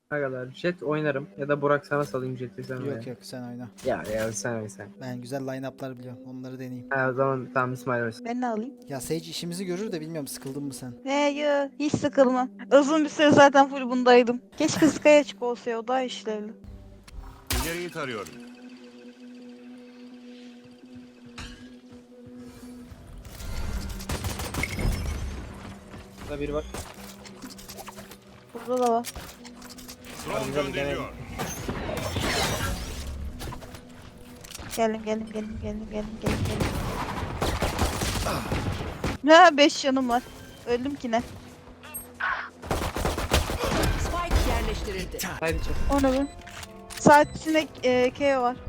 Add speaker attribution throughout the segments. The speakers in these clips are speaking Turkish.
Speaker 1: Ne kadar jet oynarım ya da Burak sana salayım jeti sen oyna.
Speaker 2: Yok yok sen oyna.
Speaker 1: Ya sen oyna sen.
Speaker 2: Ben güzel line-up'lar biliyorum. Onları deneyeyim.
Speaker 1: Ha, o zaman tamam İsmail oynasın.
Speaker 3: Ben ne alayım?
Speaker 2: Ya Sage işimizi görür de bilmiyorum sıkıldın mı sen?
Speaker 3: Yo, hiç sıkılmam. Uzun bir süre zaten full bundaydım. Keşke Sky açık olsa ya, o daha işlevli.
Speaker 4: İleriyi tarıyorum.
Speaker 1: Burada biri var.
Speaker 3: Burada da var.
Speaker 4: Drone gönderiliyor.
Speaker 3: Geldim. Ne 5 canım var. Öldüm ki ne?
Speaker 5: Spike yerleştirildi.
Speaker 1: Haydi çek.
Speaker 3: O ne be? Saat içinde K var.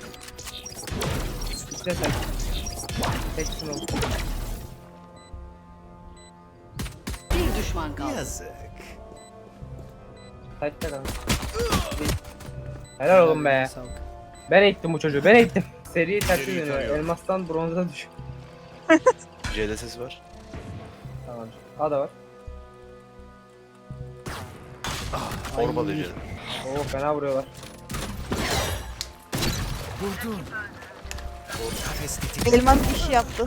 Speaker 1: İşte sen. Teksin oğlum.
Speaker 5: Bir düşman kaldı.
Speaker 1: Takipte kalın. Helal oğlum be.
Speaker 2: Sağlık.
Speaker 1: Ben eğittim bu çocuğu. Ben eğittim. Seri tersi
Speaker 4: İleriyi
Speaker 1: dönüyor.
Speaker 4: tarıyorum.
Speaker 1: Elmastan bronza düş.
Speaker 6: C'de ses var.
Speaker 1: Tamam. A da var.
Speaker 6: Torba da C'de.
Speaker 1: Oo fena vuruyorlar.
Speaker 3: Elmas iş yaptı.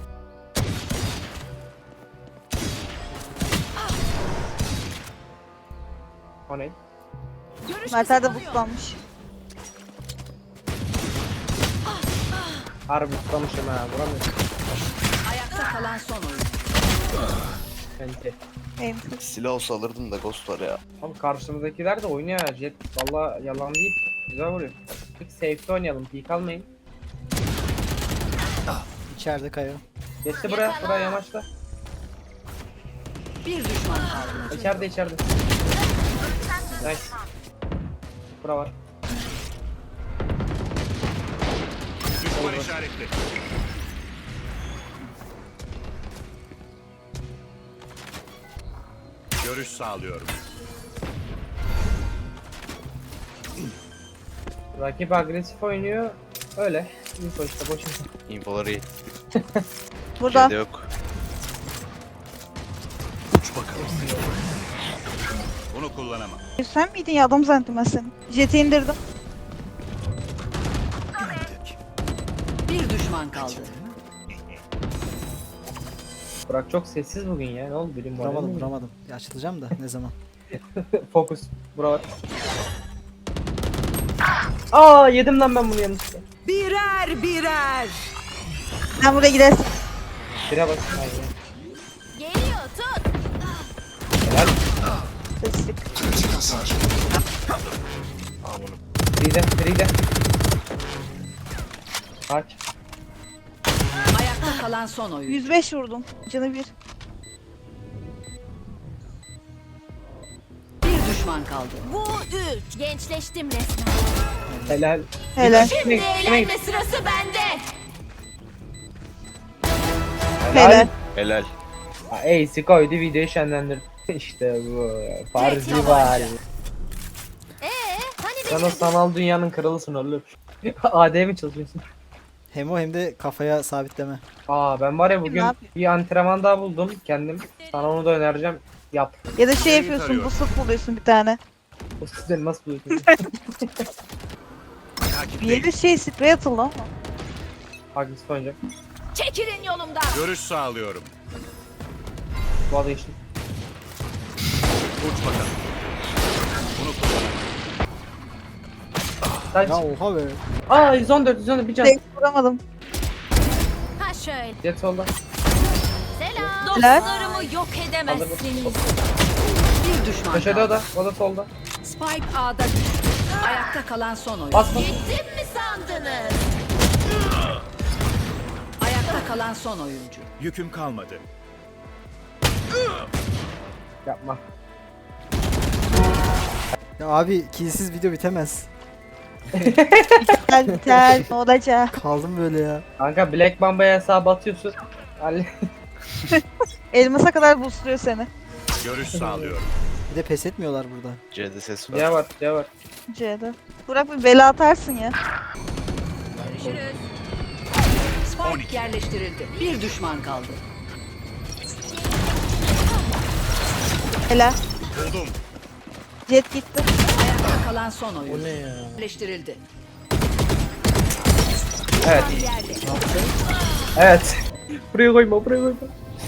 Speaker 1: O ne?
Speaker 3: Mertler de buslanmış.
Speaker 1: Harbi tutamışım ha. Vuramıyorum.
Speaker 5: Ayakta kalan son oyun.
Speaker 1: Bence.
Speaker 3: Benim
Speaker 6: Silah olsa alırdım da Ghost var ya.
Speaker 1: Abi karşımızdakiler de oynuyor ha. Jet valla yalan değil. Güzel vuruyor. Peki safe'de oynayalım. Peek almayın.
Speaker 2: İçeride Kayo.
Speaker 1: Geçti buraya yamaçta.
Speaker 5: Bir düşman kaldı.
Speaker 1: İçeride. Nice. Bura var.
Speaker 4: Düşman işaretli. Görüş sağlıyorum.
Speaker 1: Rakip agresif oynuyor. Öyle. Info işte boş info.
Speaker 6: Infoları iyi.
Speaker 3: burada.
Speaker 6: C'de yok.
Speaker 4: Bunu kullanamam.
Speaker 3: Sen miydin ya, adam zannettim ben seni. Jet'i indirdim.
Speaker 5: Bir düşman kaldı.
Speaker 1: Burak çok sessiz bugün ya. Ne oldu bilim var?
Speaker 2: Vuramadım. Ya açılacağım da ne zaman?
Speaker 1: Fokus. Bura var. Aa yedim lan ben bunu yanlışlıkla.
Speaker 5: Birer.
Speaker 3: Sen buraya gidersin.
Speaker 1: Bire bas. Aynen.
Speaker 7: Geliyor tut.
Speaker 1: Helal.
Speaker 3: Seslik.
Speaker 1: Free de. Kaç.
Speaker 5: Ayakta kalan son oyun.
Speaker 3: 105 vurdum. Canı bir.
Speaker 5: Bir düşman kaldı.
Speaker 7: Bu 3. Gençleştim resmen.
Speaker 1: Helal.
Speaker 3: Helal.
Speaker 7: Şimdi eğlenme sırası bende.
Speaker 3: Helal.
Speaker 6: Helal.
Speaker 1: Ace'i koydu videoyu şenlendirdi. İşte bu. Farzi var.
Speaker 7: Hani
Speaker 1: Sen o sanal dünyanın kralısın oğlum. AD mi çalışıyorsun?
Speaker 2: Hem o hem de kafaya sabitleme.
Speaker 1: Aa ben var ya
Speaker 3: Ne
Speaker 1: bugün
Speaker 3: yapayım?
Speaker 1: bir antrenman daha buldum kendim. Sana onu da önereceğim. Yap.
Speaker 3: Ya da şey
Speaker 4: Neyi
Speaker 3: yapıyorsun,
Speaker 4: tarıyor?
Speaker 3: bu sık buluyorsun bir tane.
Speaker 1: O sizleri nasıl buluyorsun?
Speaker 3: Bir
Speaker 4: Takipteyim.
Speaker 3: yere şey sprey atıldı ama.
Speaker 1: Agresif oynayacak.
Speaker 7: çekilin yolumdan.
Speaker 4: Görüş sağlıyorum.
Speaker 1: Bu adı geçtim.
Speaker 4: Uç bakalım. Bunu kullanamam.
Speaker 1: Kaç.
Speaker 2: Ya oha be.
Speaker 1: Aa 114 bir can.
Speaker 3: Tek vuramadım.
Speaker 7: Ha şöyle.
Speaker 1: Jet solda.
Speaker 7: Selam.
Speaker 3: Helal.
Speaker 7: Dostlarımı yok edemezsiniz.
Speaker 5: Bir düşman
Speaker 1: Köşede
Speaker 5: kaldı.
Speaker 1: o da solda.
Speaker 5: Spike A'da düştü. Ayakta kalan son oyun.
Speaker 1: Bas.
Speaker 7: Gittim mi sandınız?
Speaker 5: Ayakta kalan son oyuncu.
Speaker 4: Yüküm kalmadı.
Speaker 1: Yapma.
Speaker 2: Ya abi kilsiz video bitemez.
Speaker 3: Biter. Ne olacak?
Speaker 2: Kaldım böyle ya.
Speaker 1: Kanka Black Mamba'ya hesabı atıyorsun. Halle-
Speaker 3: Elmasa kadar boostluyor seni.
Speaker 4: Görüş sağlıyorum.
Speaker 2: Bir de pes etmiyorlar burada.
Speaker 6: C'de ses var.
Speaker 1: C var.
Speaker 3: C'de. Burak bir bela atarsın ya.
Speaker 7: Görüşürüz.
Speaker 5: Spike yerleştirildi. Bir düşman kaldı.
Speaker 3: Helal.
Speaker 4: Buldum.
Speaker 3: Jet gitti.
Speaker 5: Ayakta kalan son oyuncu.
Speaker 8: O ne ya?
Speaker 5: Birleştirildi.
Speaker 1: Evet.
Speaker 5: Yerde.
Speaker 1: Evet. Buraya koyma, buraya koyma.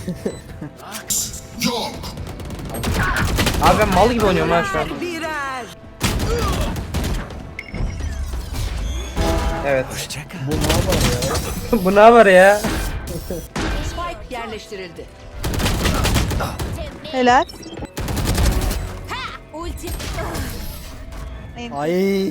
Speaker 1: Abi ben mal gibi oynuyorum ha şu an.
Speaker 5: Birer.
Speaker 1: Evet. Bu ne var ya?
Speaker 5: Spike yerleştirildi.
Speaker 3: Helal.
Speaker 7: Ulti.
Speaker 3: Neyse.
Speaker 2: Ay.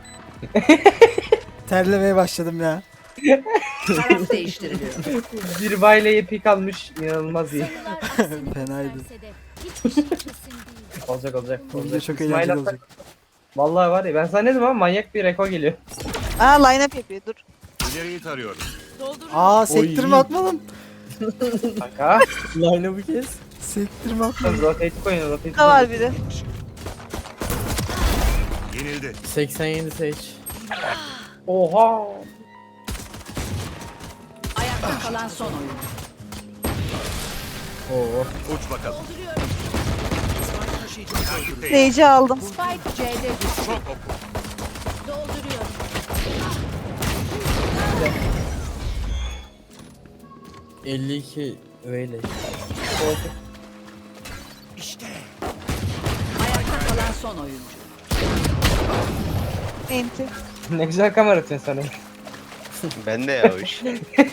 Speaker 2: Terlemeye başladım ya.
Speaker 5: Taraf değiştiriliyor.
Speaker 1: Bir bayleye pik almış, inanılmaz iyi.
Speaker 2: Fenaydı.
Speaker 7: Hiçbir şey kesin değil.
Speaker 1: Olacak olacak.
Speaker 2: Bu video
Speaker 1: olacak.
Speaker 2: çok
Speaker 1: İsmail
Speaker 2: eğlenceli
Speaker 1: Hatta-
Speaker 2: olacak.
Speaker 1: Vallahi var ya ben sana ne dedim ama manyak bir reko geliyor.
Speaker 3: Aa line up yapıyor dur.
Speaker 4: İleriyi tarıyorum.
Speaker 2: Aa sektirme atmadım.
Speaker 1: Kanka.
Speaker 8: Line'ı bir kez.
Speaker 2: Sektirme atmadım.
Speaker 1: Rotate koyun, rotate
Speaker 3: Da var biri.
Speaker 4: Yenildi.
Speaker 8: 87 seç.
Speaker 1: Oha.
Speaker 5: Ayakta kalan son oyuncu.
Speaker 8: Oo.
Speaker 4: Uç bakalım. Takipteyim.
Speaker 3: Sage'i aldım.
Speaker 5: Spike C'de düştü.
Speaker 4: Çok oku.
Speaker 7: Dolduruyorum.
Speaker 8: 52 öyle.
Speaker 5: Ayakta kalan son oyuncu.
Speaker 3: Enti.
Speaker 1: Ne güzel kamera atıyorsun sana.
Speaker 6: Ben de ya o iş.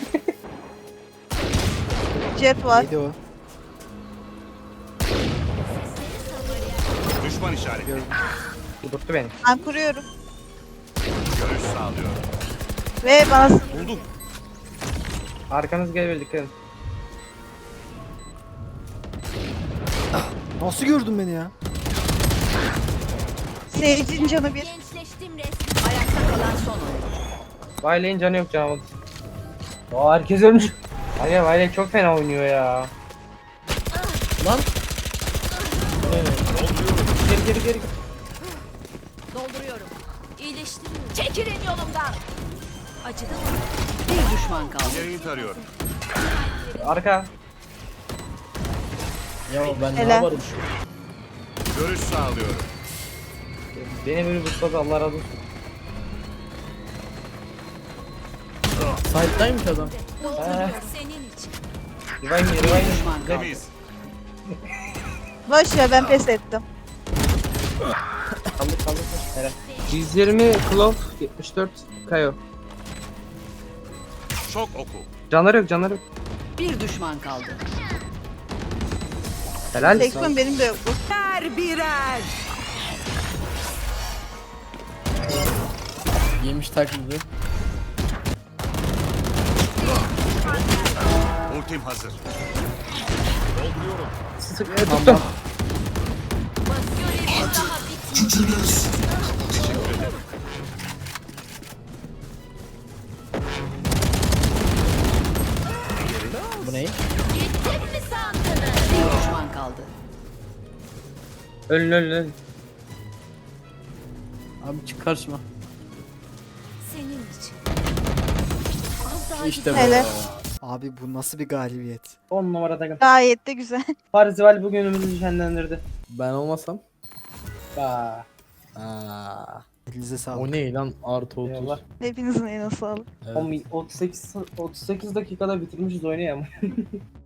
Speaker 3: Jet var.
Speaker 2: Neydi o?
Speaker 4: Düşman işareti.
Speaker 1: Kudurttu beni.
Speaker 3: Ben kuruyorum.
Speaker 4: Görüş sağlıyorum.
Speaker 3: Ve bana
Speaker 4: Buldum.
Speaker 1: Arkanız gelebilir, dikkat edin.
Speaker 2: Nasıl gördün beni ya?
Speaker 3: Sage'in canı bir.
Speaker 7: Gençleştim resmen.
Speaker 5: Ayakta kalan son oyuncu.
Speaker 1: Bayley'in canı yok canım. Aa herkes ölmüş. Hayır Bayley çok fena oynuyor ya.
Speaker 8: Lan.
Speaker 1: Geri geri.
Speaker 7: Dolduruyorum. İyileştiriyorum. Çekilin yolumdan. Acıdı.
Speaker 5: Bir düşman kaldı.
Speaker 4: İleriyi tarıyorum.
Speaker 1: Arka.
Speaker 8: Ya ben ne
Speaker 3: Hele.
Speaker 8: yaparım?
Speaker 4: Görüş sağlıyorum.
Speaker 1: Beni böyle butladı, Allah razı olsun.
Speaker 8: Side'daymış adam.
Speaker 7: Dolduruyorum senin için.
Speaker 1: Revive me,
Speaker 5: Bir
Speaker 1: revive me.
Speaker 5: düşman kaldı.
Speaker 4: Temiz.
Speaker 3: Boş ver ben pes ettim.
Speaker 1: Kaldır. Helal. 120 Clove, 74 Kayo.
Speaker 4: Çok oku.
Speaker 1: Canları yok.
Speaker 5: Bir düşman kaldı.
Speaker 1: Helal.
Speaker 3: Sekson benim de yoktu.
Speaker 5: Birer.
Speaker 8: Yemiş taklidi.
Speaker 4: Ultim hazır.
Speaker 1: Tuttum.
Speaker 7: Görevim daha bitmedi.
Speaker 4: Teşekkür ederim.
Speaker 8: Bu ne?
Speaker 7: Gittim mi sandınız?
Speaker 5: Bir düşman kaldı.
Speaker 1: Ölün.
Speaker 8: Abi çık karşıma.
Speaker 7: Senin için. Az daha
Speaker 8: İşte bu.
Speaker 3: Hele.
Speaker 2: Abi bu nasıl bir galibiyet?
Speaker 1: 10 numara takım.
Speaker 3: Gayet de güzel.
Speaker 1: Parzival bugünümüzü şenlendirdi.
Speaker 8: Ben olmasam.
Speaker 1: Aa,
Speaker 8: Aa.
Speaker 2: Elinize sağlık.
Speaker 8: O ne lan? Artı 30.
Speaker 1: eyvallah.
Speaker 3: Hepinizin eline sağlık.
Speaker 8: Evet.
Speaker 1: 38 dakikada bitirmişiz oyunu ya.